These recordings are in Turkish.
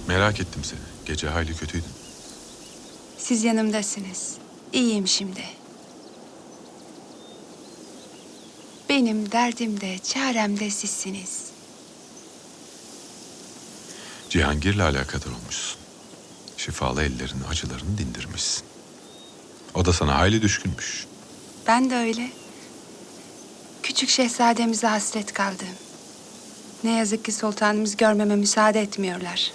Merak ettim seni. Gece hayli kötüydün. Siz yanımdasınız. İyiyim şimdi. Benim derdim de çarem de sizsiniz. Cihangir'le alakadar olmuşsun. Şifalı ellerin acılarını dindirmişsin. O da sana hayli düşkünmüş. Ben de öyle. Küçük şehzademize hasret kaldım. Ne yazık ki sultanımız görmeme müsaade etmiyorlar.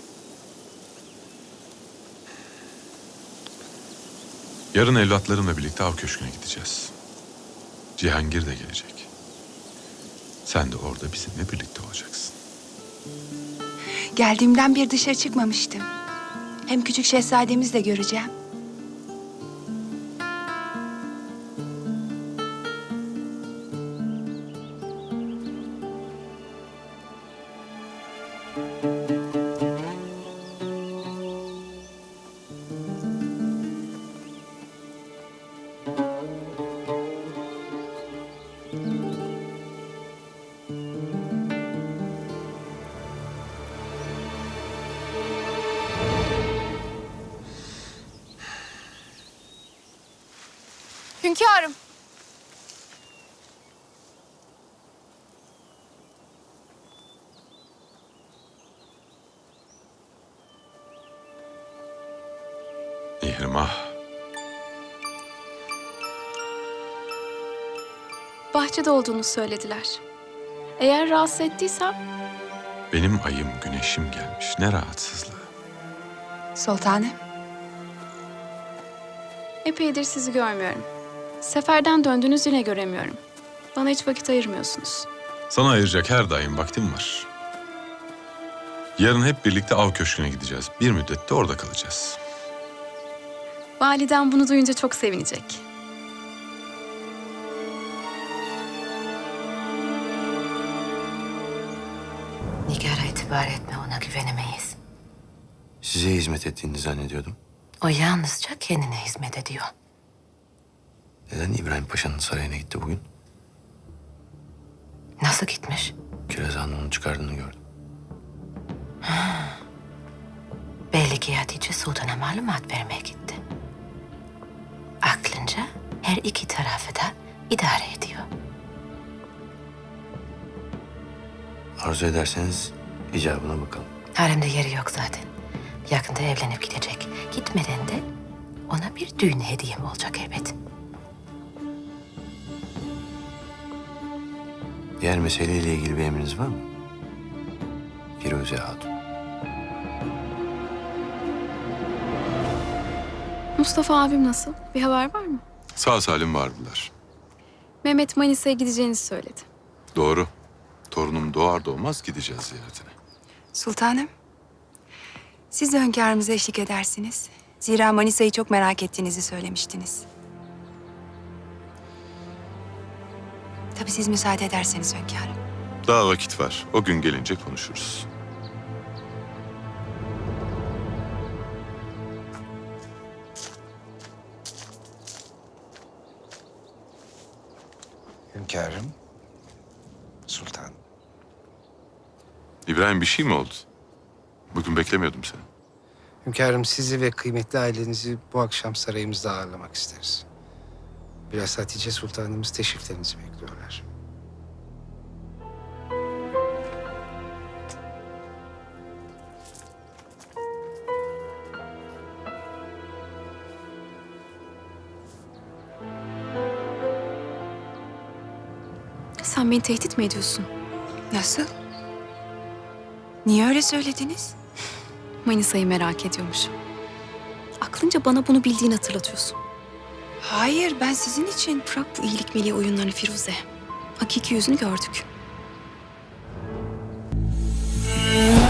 Yarın evlatlarımla birlikte av köşküne gideceğiz. Cihangir de gelecek. Sen de orada bizimle birlikte olacaksın. Geldiğimden bir dışarı çıkmamıştım. Hem küçük şehzademizi de göreceğim. Hünkârım. İhrimah. Bahçede olduğunu söylediler. Eğer rahatsız ettiysem Benim ayım güneşim gelmiş. Ne rahatsızlığı. Sultanım, epeydir sizi görmüyorum. Seferden döndünüz yine göremiyorum. Bana hiç vakit ayırmıyorsunuz. Sana ayıracak her daim vaktim var. Yarın hep birlikte av köşküne gideceğiz. Bir müddet de orada kalacağız. Validem bunu duyunca çok sevinecek. Nigar'a itibar etme, ona güvenemeyiz. Size hizmet ettiğini zannediyordum. O yalnızca kendine hizmet ediyor. Neden İbrahim Paşa'nın sarayına gitti bugün? Nasıl gitmiş? Kiraz Han'ın onu çıkardığını gördüm. Belli ki Hatice Sultan'a malumat vermeye gitti. Aklınca her iki tarafı da idare ediyor. Arzu ederseniz icabına bakalım. Haremde yeri yok zaten. Yakında evlenip gidecek. Gitmeden de ona bir düğün hediyem olacak elbet. Diğer meseleyle ilgili bir emriniz var mı? Firuze Hatun. Mustafa abim nasıl? Bir haber var mı? Sağ salim vardılar. Mehmet Manisa'ya gideceğinizi söyledi. Doğru. Torunum doğar doğmaz gideceğiz ziyaretine. sultanım. Siz de hünkârımıza eşlik edersiniz. Zira Manisa'yı çok merak ettiğinizi söylemiştiniz. Tabii siz müsaade ederseniz hünkârım. Daha vakit var. O gün gelince konuşuruz. Hünkârım, sultan. İbrahim, bir şey mi oldu? Bugün beklemiyordum seni. Hünkârım, sizi ve kıymetli ailenizi bu akşam sarayımızda ağırlamak isteriz. Biraz Hatice Sultanımız teşriflerinizi bekliyorlar. Sen beni tehdit mi ediyorsun? Nasıl? Niye öyle söylediniz? Manisa'yı merak ediyormuş. Aklınca bana bunu bildiğini hatırlatıyorsun. Hayır, ben sizin için. Bırak bu iyilik meleği oyunlarını Firuze. Hakiki yüzünü gördük.